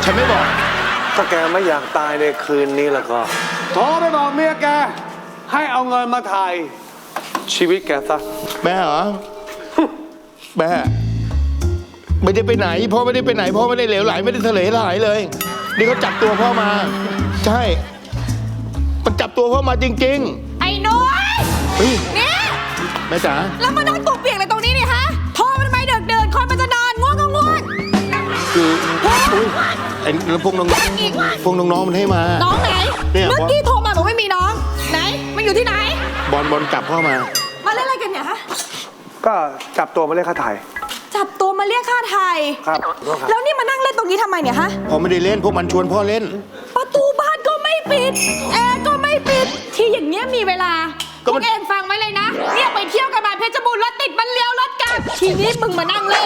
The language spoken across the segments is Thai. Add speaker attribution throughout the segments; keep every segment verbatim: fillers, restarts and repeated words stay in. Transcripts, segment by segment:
Speaker 1: ฉันไม่บอก
Speaker 2: ถ้าแกไม่อยากตายในคืนนี้แล้วก็โทรไปบอกเมียแกให้เอาเงินมาถ่ายชีวิตแกซะ
Speaker 1: แม่เหรอ แม่ไม่ได้ไปไหนพ่อไม่ได้ไปไหนพ่อไม่ได้เหลวไหลไม่ได้ทะเลไหลเลยนี่เขาจับตัวพ่อมาใช่มันจับตัวพ่อมาจริง
Speaker 3: ๆไอ้นุ้ยเนี่ย
Speaker 1: แม่จ๋า
Speaker 3: แล้วมานั่งตัวเปียกอะไรตรงนี้นี่ฮะโทรมันทำไมเดินเดินคนมันจะนอนง่วงก็ง่วง
Speaker 1: คืออุ้ยไอ้พวกน้องพวกน้องๆมันให้มา
Speaker 3: น้องไหนเมื่อกี้โทรมาบอกไม่มีน้องไหนมันอยู่ที่ไหน
Speaker 1: บอลบอลจับพ่อมา
Speaker 3: มาเล่นอะไรกันเนี่ยฮะ
Speaker 2: ก็จับตัวมาเรียกค่าไถ่
Speaker 3: จับตัวมาเรียกค่าไถ่
Speaker 2: ครับ
Speaker 3: แล้วนี่มานั่งเล่นตรงนี้ทำไมเนี่ยฮะ
Speaker 1: พ่อไม่ได้เล่นพวกมันชวนพ่อเล่น
Speaker 3: ประตูบ้านก็ไม่ปิดแอร์ก็ไม่ปิดที่อย่างเงี้ยมีเวลาพวกเองฟังไว้เลยนะเนี่ยไปเที่ยวกันมาเพชรบูรณ์รถติดมันเลี้ยวรถกลับทีนี้มึงมานั่งเล่น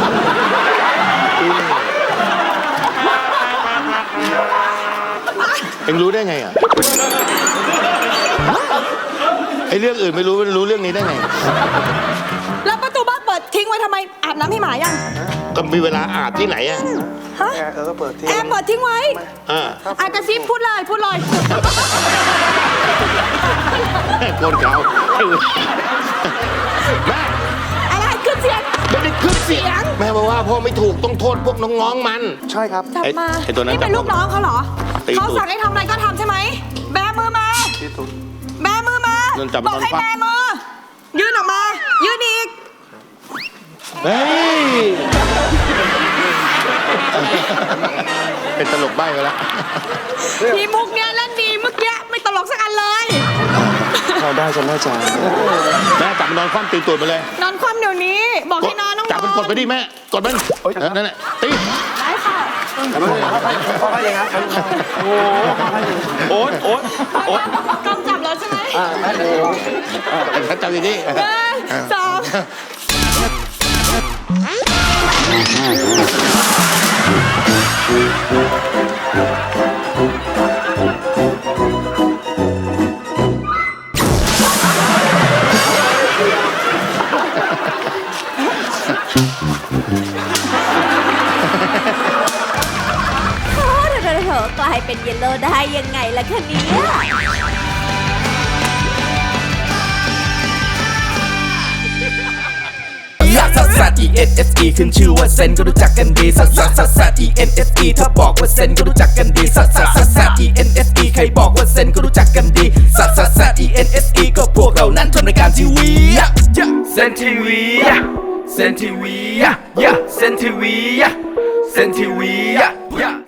Speaker 1: เอ็งรู้ได้ไงอ่ะไอ้เรื่องอื่นไม่รู้รู้เรื่องนี้ได้ไง
Speaker 3: แล้วประตูบ้านเปิดทิ้งไว้ทำไมอาบน้ำให้หมายัง
Speaker 1: ก็มีเวลาอาบที่ไหนอ่ะ
Speaker 3: ฮะ
Speaker 2: แอร์ก็เปิดทิ้ง
Speaker 3: แอร์เปิดทิ้งไว้
Speaker 1: อ่า
Speaker 3: อากระซิบพูดเลยพูดเลย
Speaker 1: โกนเขาแม่
Speaker 3: อะไรขึ้นเสียง
Speaker 1: ไม่ได้ขึ้นเสียงแม่บอกว่าพ่อไม่ถูกต้องโทษพวกน้องๆมัน
Speaker 2: ใช่ครับ
Speaker 3: จับมา
Speaker 1: ไอ้ตัวนั้น
Speaker 3: นี่เป็นลูกน้องเขาเหรอเขาสั่งให้ทำอะไรก็ทำใช่ไหมแบมือมาแบมือมาบอกให้แบมือยื่นออกมายื่นอีก
Speaker 1: เฮ้ยเป็นตลกใบ้ไปแล้ว
Speaker 3: ทีมุกเนี้ยเล่นดีเมื่อกี้ไม่ตลกสักอันเลย
Speaker 2: เขาได้จะแม่จ๋า
Speaker 1: แม่จับมันนอนคว่ำตีตูดไปเลย
Speaker 3: นอนคว่ำเดี๋ยวนี้บอกให้นอนต้อง
Speaker 1: จับมันกดไปดิแม่กดมันนั่นแหละตี
Speaker 3: ได้ค่ะ
Speaker 2: เขาให้ยังไงโอ๊ตโอ๊ตโอ๊ต
Speaker 3: กำจับแล้วใช่ไหม
Speaker 1: เขาจับอย่างนี้
Speaker 3: สอง
Speaker 4: กลายเป็นเยลโล่ได้ยังไงล่ะคะเนี่ย
Speaker 5: ลักซัสซัส E N S E ขึ้นชื่อว่าเซนก็รู้จักกันดีซัสซัสซัสซัส E N S E ถ้าบอกว่าเซนก็รู้จักกันดีซัสซัสซัสซัส E N S E ใครบอกว่าเซนก็รู้จักกันดีซัสซัสซัส E N S E ก็พวกเรานั้นทำรายการทีวีเซนทีวีเซนทีวีเซนทีวีเซนทีวี